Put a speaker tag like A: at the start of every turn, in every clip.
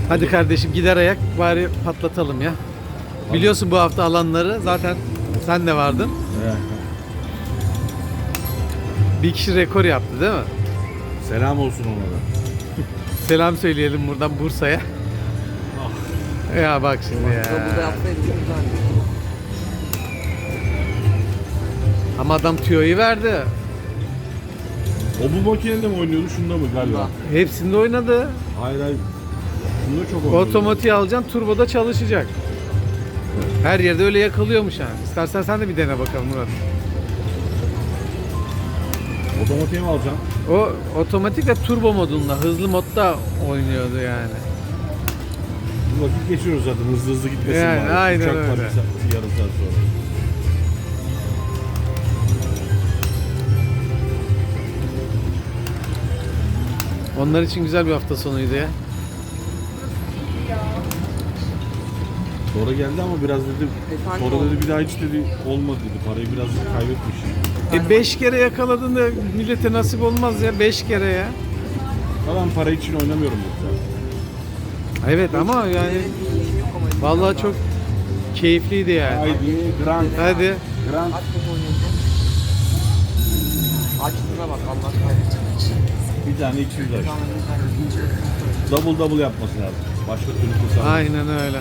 A: Hadi kardeşim gider ayak bari patlatalım ya. Biliyorsun bu hafta alanları zaten sen de vardın.
B: Evet.
A: Bir kişi rekor yaptı değil mi?
B: Selam olsun ona da.
A: Selam söyleyelim buradan Bursa'ya. Ya bak şimdi ya.
C: Burada yapsaydı güzeldi.
A: Ama adam tüyoyu verdi.
B: O bu makinede mi oynuyordu, şunda mı galiba?
A: Hepsinde oynadı.
B: Hayır hayır. Şunda çok oynuyordu.
A: Otomatiği alacaksın, turboda çalışacak. Her yerde öyle yakalıyormuş yani. İstersen sen de bir dene bakalım Murat.
B: Otomatiğe mi alacaksın?
A: O otomatik ve turbo modunda, hızlı modda oynuyordu yani.
B: Bu vakit geçiyoruz zaten, hızlı hızlı gitmesin
A: Yani,
B: bari.
A: aynen
B: Uçak var
A: öyle.
B: yarım saat sonra.
A: Onlar için güzel bir hafta sonuydu ya.
B: Sonra geldi ama biraz dedi,
C: Efendim
B: sonra
C: oldu.
B: dedi bir daha hiç dedi olmadı dedi, parayı biraz kaybetmiş.
A: 5 kere yakaladın da millete nasip olmaz ya, 5 kere ya.
B: Ben para için oynamıyorum dedi.
A: Evet ama yani vallahi çok keyifliydi yani.
B: Haydi Grand.
A: Hadi.
B: Grand.
C: Aç kötü oynuyorsun. Açtığına bak Allah kahretsin.
B: Bir tane 200 aç.
C: Tamam, bir tane.
B: Double yapması lazım. Başka türlü kurtarmaz.
A: Aynen öyle.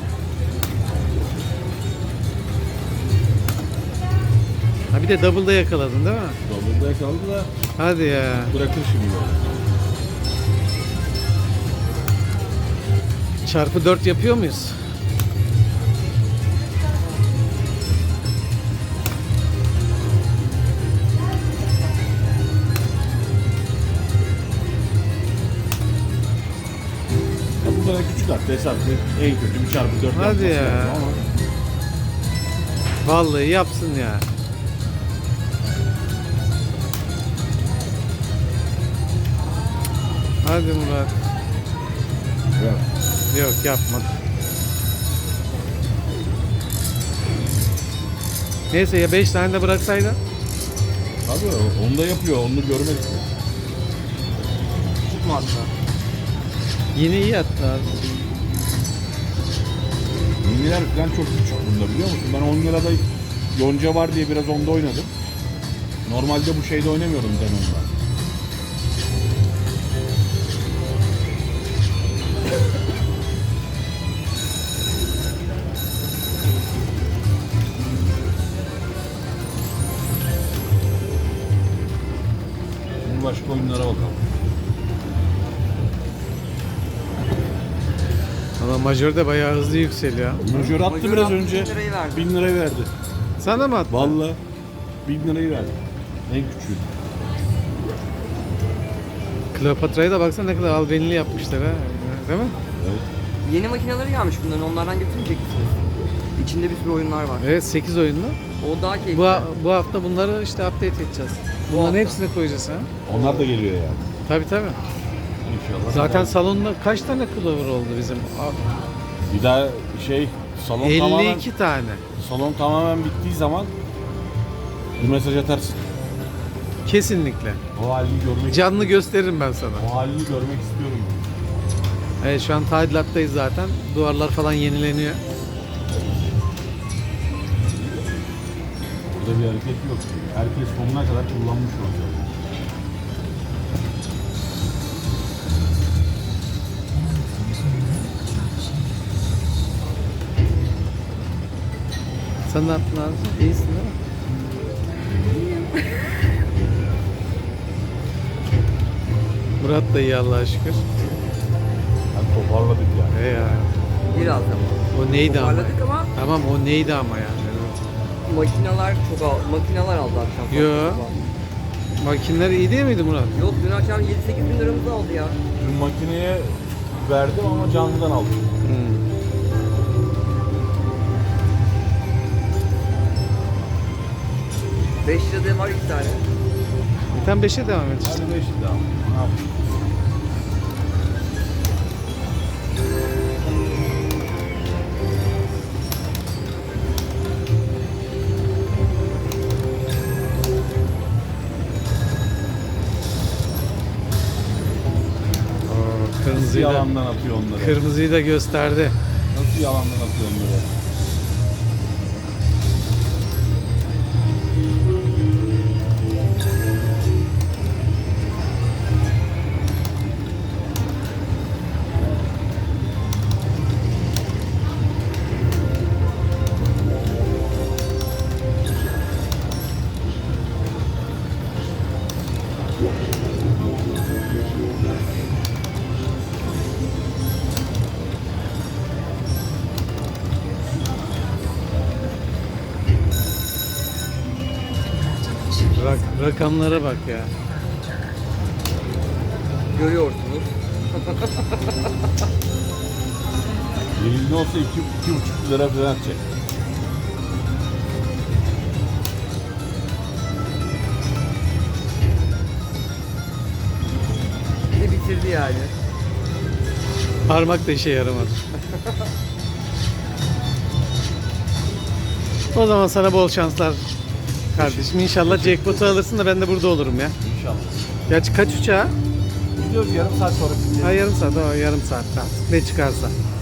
A: Ha bir de double'da yakaladın değil mi?
B: Double'da yakaladı da
A: Hadi ya.
B: bırakır şimdi böyle.
A: Çarpı 4 yapıyor muyuz?
B: Ya bu kadar küçük at. Hesap en kötü bir çarpı 4
A: Hadi
B: yapması
A: ya.
B: lazım ama
A: Vallahi yapsın ya. Hadi Murat.
B: yok.
A: Yok yapmadı. Neyse ya 5 tane de bıraksaydın.
B: Tabii onu da yapıyor. Onu görmek istiyor.
C: Küçük mü hatta?
A: Yine iyi attı abi.
B: Miniler falan çok küçük bunda, biliyor musun? Ben 10 lirada yonca var diye biraz onda oynadım. Normalde bu şeyde oynamıyorum Denon'da. Şimdi başka oyunlara bakalım.
A: Ama majör de bayağı hızlı yükseliyor.
B: Majör attı
C: Majör
B: biraz
C: attı,
B: önce.
C: 1000 lirayı verdi.
B: 1000 lirayı verdi.
A: Sana mı attı?
B: Vallahi 1000 lirayı verdi. En küçüğü.
A: Kleopatra'ya da baksana ne kadar albenili yapmışlar ha. Değil mi?
B: Evet.
C: Yeni makineleri gelmiş bunların. Onlardan götürmeyecek misiniz? İçinde bir sürü oyunlar var.
A: Evet 8 oyunlu.
C: O daha keyifli.
A: Bu hafta bunları işte update edeceğiz. Bunların
C: hafta.
A: hepsini koyacağız ha.
B: Onlar da geliyor yani.
A: Tabii tabii.
B: İnşallah.
A: Zaten salonda kaç tane Clover oldu bizim?
B: Bir daha salon
A: 52 tane.
B: tamamen bittiği zaman bir mesaj atarsın.
A: Kesinlikle.
B: O halini görmek
A: Canlı gösteririm ben sana.
B: O halini görmek istiyorum.
A: Evet şu an tadilattayız zaten. Duvarlar falan yenileniyor.
B: Burada bir hareket yok. Herkes sonuna kadar kullanmış olacak.
A: Sen ne yaptın abi? İyisin değil mi? Murat da iyi Allah'a şükür.
B: Hadi toparladık yani.
A: Ya.
C: Biraz ama.
A: O neydi ama?
C: Toparladık ama
A: Tamam o neydi ama yani.
C: makineler aldı akşam.
A: Yo. Makineler iyi değil miydi Murat?
C: Yok dün akşam 7-8 bin liramızı aldı ya.
B: Dün makineye verdim ama canlıdan aldım.
A: Hmm.
C: Beş lirada var 2 tane.
A: Bir tane 5'e devam et.
B: Hadi 5 daha. Ne yapayım?
A: Kırmızı Kırmızıyı da,
B: yalandan atıyor onları?
A: kırmızıyı da gösterdi.
B: Nasıl yalandan atıyor onları?
A: Rakamlara bak ya.
C: Görüyorsunuz.
B: Elinde olsa 2,5 lira falan atacak.
C: Bir de bitirdi yani.
A: Parmak da işe yaramadı. O zaman sana bol şanslar kardeşim. İnşallah jackpot'u alırsın da ben de burada olurum ya.
B: İnşallah.
A: Gerçi kaç uçağa?
B: Gidiyoruz yarım saat sonra.
A: Ha, yarım saat, o yarım saat. Tamam. Ne çıkarsa.